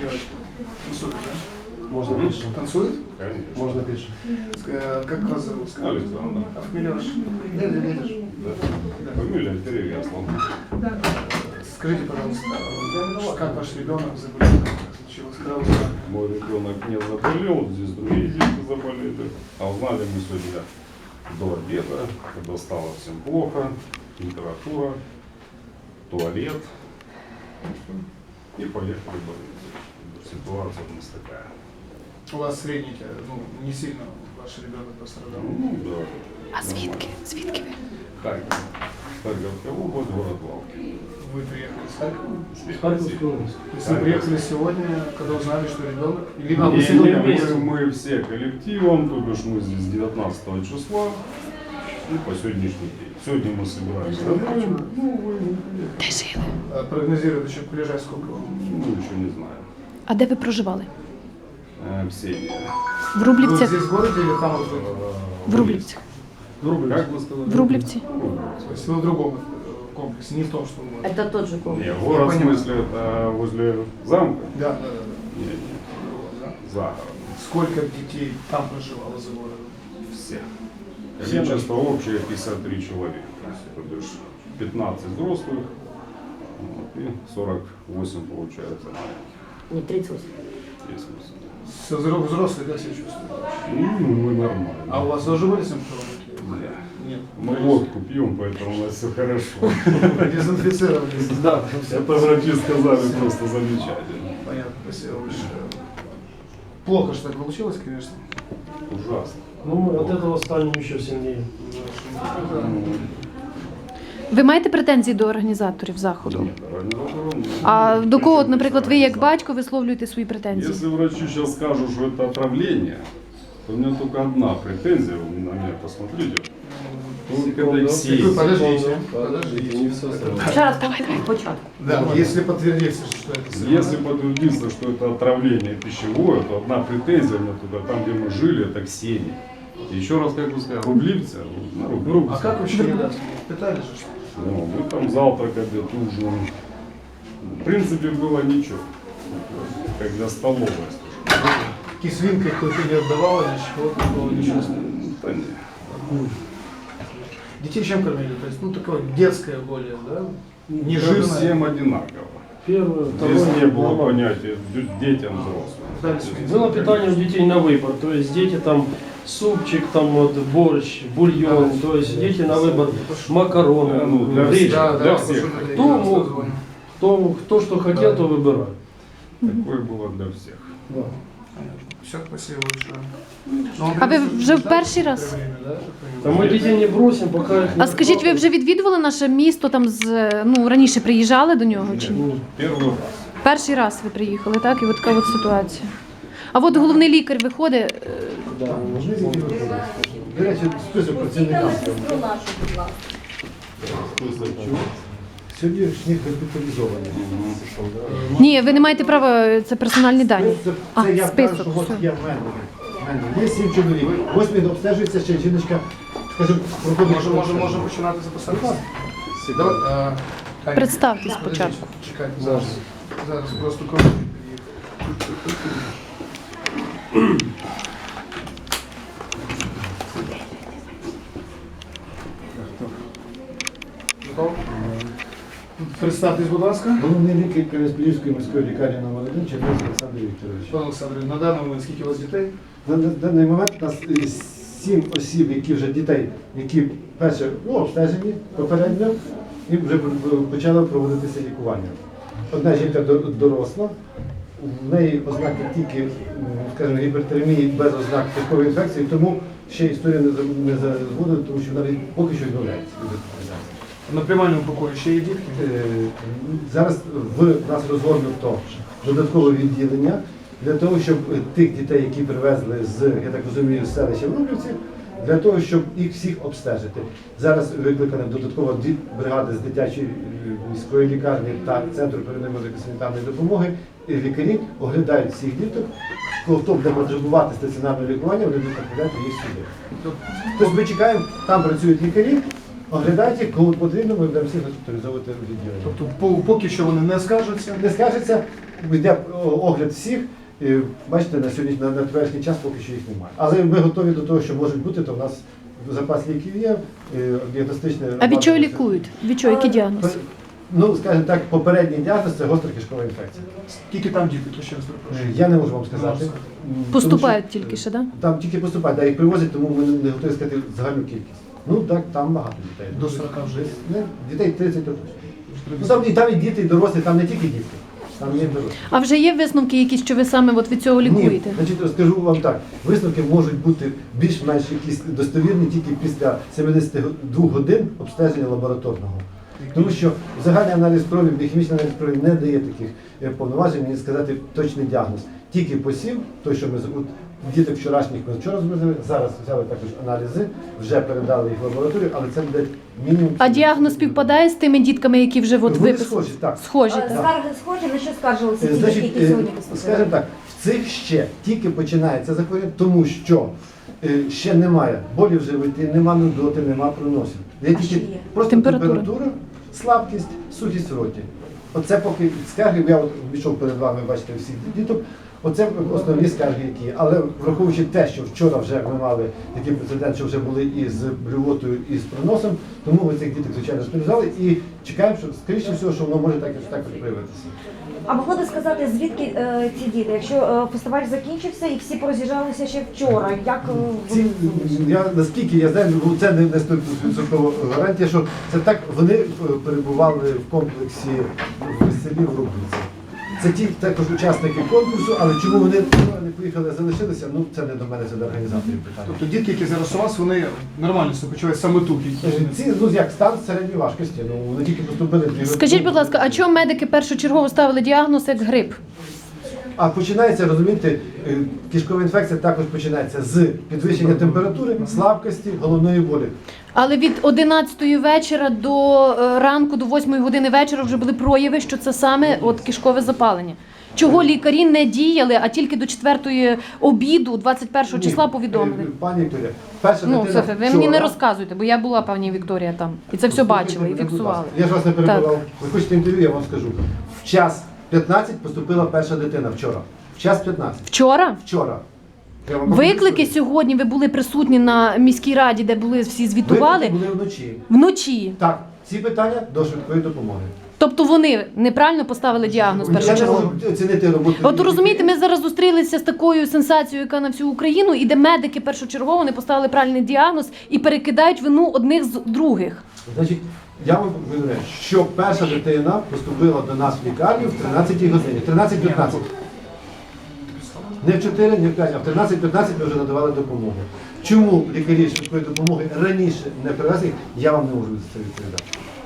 девочка? Танцует, да? Можно пишем. Танцует? Конечно. Можно пишем. Как вас зовут? Александр. А фамилия ваша? Дядя Лидыш. Да. Фамилия Перевесла. Скажите, пожалуйста, как ваш ребенок заболел? Как случилось? Когда вы узнали? Мой ребенок не заболел, здесь другие дети заболели. А узнали мы сегодня до обеда, когда стало всем плохо, температура, туалет. И поехали в больницу. Ситуация у нас такая. У вас средний, ну, не сильно ваш ребенок пострадал. Ну да. А звідки? Звідки ви? Харьков. Харьковская область, город Валки. Вы приехали с Харькова? С Харьковской области. То есть вы приехали сегодня, когда узнали, что ребенок? Или А, вы вы сегодня вместе? мы все коллективом, то бишь мы здесь 19 числа и по сегодняшний день. Сегодня мы собираемся домой. Ну, вы Де жили? прогнозируют еще приезжать сколько вам? ну, еще не знаю. А де ви проживали? Ксения. В Вы Рублівцях? здесь в городе или там вот вы? В Рублівцях. Как вы сказали? В Рублівці? То есть вы в другом комплексе, не в том, что вы... Это тот же комплекс. Не, город в Я понимаю. смысле это возле замка? Да, да, да. Нет, нет, Да. за городом. Сколько детей там проживало за городом? Все. Количество общее 53 человека. То бишь 15 взрослых вот, и 48 получается маленьких. Не 38. Есть смысл. Взрослые как себя чувствуют? Ну, мы нормально. А у вас тоже были симптомы? Да. Нет. Мы водку пьем, поэтому у нас все хорошо. Дезинфицировались. Да, Это врачи сказали просто замечательно. Понятно, спасибо большое. Плохо, что так получилось, конечно. Ужасно. ну мы от этого станем еще сильнее. Ви маєте претензії до організаторів заходу? Нет, организатором, А до кого, от, наприклад, ви як батько висловлюєте свої претензії? Если врачи сейчас скажут, что это отравление, то у меня только одна претензия, вы на меня посмотрите. Только Секунду. Алексей. Вы подождите. Подождите, не все сразу. Ще раз початку. Да, если подтвердится, что это Если подтвердится, что это отравление пищевое, то одна претензия у меня только там, где мы жили, это Ксения. Еще раз, как вы сказали, рублевцы, на Рублевце. А как вообще недавно? Питали же, что? Ну, мы там завтрак, обед, ужин. В принципе, было ничего. Как для столовой, скажем. Кислинкой какой-то не отдавала, ничего такого не чувствовали. Да нет. Детей чем кормили? То есть, ну, такое детское более, да? Не Всем жирное. одинаково. Первое, Здесь второе, не было нормально. понятия детям взрослым. Дальше. Было питание у детей на выбор, то есть дети там супчик, там вот борщ, бульон, то есть дети на выбор макароны, Ну, для гречка. всех. Да, Для да, всех. пошли, Кто да, мог? созвоним. Кто что хотел, то выбирает. Такое было для всех. Да. Понятно. Все, спасибо большое. Ну, он А ви принесет вже в сюда перший раз? время, да, я так А понимаю? мы детей не бросим, пока их не А скажіть, ви вже відвідували наше місто, там ну, раніше приїжджали до нього чи ні? Ну, Первый раз. Перший раз ви приїхали, так? І от така от ситуація. А от головний лікар виходить, да, До речі, список працівникам. Сьогоднішніх госпіталізованих. ні, ви не маєте права, це персональні дані. Це А, я список, кажу, що от все. є в мене. Є 7 чоловік. 8 обстежується ще жіночка, скажімо, проходить. Може починати записатися? Давай, Таня, Представтесь подождіть, спочатку. Чекайте, зараз. Зараз просто кому. Готов? Представтесь, будь ласка. Головний лікар Кам'янець-Подільської міської лікарні номер 1 Чернець Олександр Вікторович. Пане Олександре, на даний момент скільки у вас дітей? На даний момент у нас 7 осіб, які вже дітей, які перше обстежені попередньо і вже почало проводитися лікування. Одна жінка доросла, в неї ознаки тільки, скажімо, гіпертермії без ознак кишкової інфекції, тому ще історія не згодила, тому що навіть поки що відмовляється від госпіталізації. На приймальному покої ще є дітки? Зараз в нас розгорнуто додаткове відділення для того, щоб тих дітей, які привезли з, я так розумію, з селища Врублівці, для того, щоб їх всіх обстежити. Зараз викликана додаткова бригади з дитячої міської лікарні та Центру первинної медико-санітарної допомоги. І лікарі оглядають всіх діток, хто буде потребувати стаціонарного лікування, вони будуть направляти їх сюди. Тобто ми чекаємо, там працюють лікарі, оглядають їх, коли потрібно, ми будемо всіх госпіталізовувати в відділення. Тобто поки що вони не скажуться. Не скажеться, йде огляд всіх. Бачите, на сьогодні на теперішній час поки що їх немає. Але ми готові до того, що можуть бути, то в нас запас ліків є, діагностичне. А від чого лікують? Від чого? Який діагноз? Ну, скажімо так, попередній діагноз це гостра кишкова інфекція. Скільки там діти, то ще раз перепрошую. Я не можу вам сказати. Поступають Тому що тільки ще, так? там тільки поступають, да, їх привозять, тому ми не готові сказати загальну кількість. Ну так, там багато дітей. До 40 вже є? Не, дітей 30 точно. Ну, там і діти, і дорослі, там не тільки діти, там є дорослі. А вже є висновки якісь, що ви саме от від цього лікуєте? Ні, значить, скажу вам так, висновки можуть бути більш-менш якісь достовірні тільки після 72 годин обстеження лабораторного. Тому що загальний аналіз крові, біохімічний аналіз крові не дає таких повноважень, мені сказати точний діагноз. Тільки посів, той, що ми от, діток вчорашніх ми вчора зробили, зараз взяли також аналізи, вже передали їх в лабораторію, але це буде мінімум. А діагноз співпадає з тими дітками, які вже от Вони виписали? схожі, так. Схожі, так. Скарги схожі, на що скаржилися ті, Значить, які сьогодні поступили? скажімо так, в цих ще тільки починається захворювання, тому що ще немає болі в животі, немає нудоти, немає проносів. Є А тільки що є? просто Температура. температура, слабкість, сухість в роті. Оце поки скарги, я от пішов перед вами, бачите, всіх діток. Оце основні скарги, які є. Але враховуючи те, що вчора вже ми мали такий прецедент, що вже були і з блювотою, і з проносом, тому ми цих діток, звичайно, шпиталізували і чекаємо, що, скоріше всього, що воно може так проявитися. А могли би сказати, звідки ці діти? Якщо фестиваль закінчився і всі пороз'їжджалися ще вчора, як Ці, я, наскільки я знаю, ну, це не 100% гарантія, що це так, вони перебували в комплексі в селі в Рубниці. Це ті також учасники конкурсу, але чому вони не поїхали, залишилися, ну це не до мене, це до організаторів питання. Тобто дітки, які зараз у вас, вони нормально себе почувають саме тут? Ці, ну як стан середньої важкості, ну вони тільки поступили. Скажіть, будь ласка, а чому медики першочергово ставили діагноз як грип? А починається, розумієте, кишкова інфекція також починається з підвищення температури, слабкості, головної болі. Але від 11-ї вечора до ранку, до 8-ї години вечора вже були прояви, що це саме от кишкове запалення. Чого лікарі не діяли, а тільки до 4-ї обіду, 21 числа повідомили? Пані Вікторія, перша Ну, дитина Софія, ви мені не вчора- розказуєте, бо я була, пані Вікторія, там. І це все бачила і фіксувала. Я ж вас не перебував. Ви хочете інтерв'ю, я вам скажу. В час 15 поступила перша дитина вчора. В час 15. Вчора? Вчора. Я вам Виклики покажу. сьогодні, ви були присутні на міській раді, де були всі звітували, Виклики були вночі. вночі. Так, ці питання до швидкої допомоги. Тобто вони неправильно поставили діагноз Я не першочергово. можу оцінити роботу. От розумієте, ми зараз зустрілися з такою сенсацією, яка на всю Україну, і де медики першочергово не поставили правильний діагноз і перекидають вину одних з других. Значить, я вам повідомляю, що перша дитина поступила до нас в лікарню в 13-й годині. 13:15. Не в 4, не в 5, а в 13:15 ми вже надавали допомогу. Чому лікарі швидкої допомоги раніше не привезли, я вам не можу за це відповідати.